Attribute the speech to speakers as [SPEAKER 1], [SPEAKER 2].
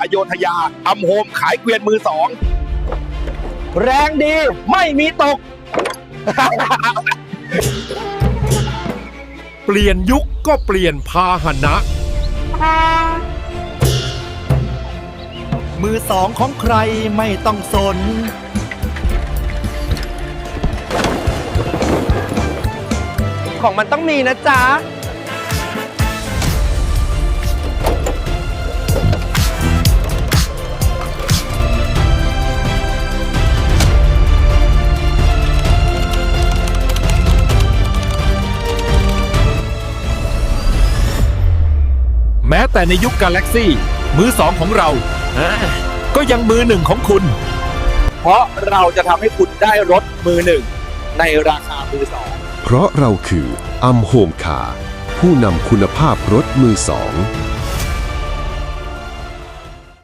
[SPEAKER 1] อโยธยาอัมโฮมขายเกวียนมือสองแรงดีไม่มีตก
[SPEAKER 2] เปลี่ยนยุคก็เปลี่ยนพาหนะ
[SPEAKER 3] มือสองของใครไม่ต้องสน
[SPEAKER 1] ของมันต้องมีนะจ๊ะ
[SPEAKER 2] แม้แต่ในยุคกาแล็กซี่มือสองของเราก็ยังมือหนึ่งของคุณ
[SPEAKER 1] เพราะเราจะทำให้คุณได้รถมือหนึ่งในราคามือสอง
[SPEAKER 4] เพราะเราคืออัมโฮมคาร์ผู้นำคุณภาพรถมือสอง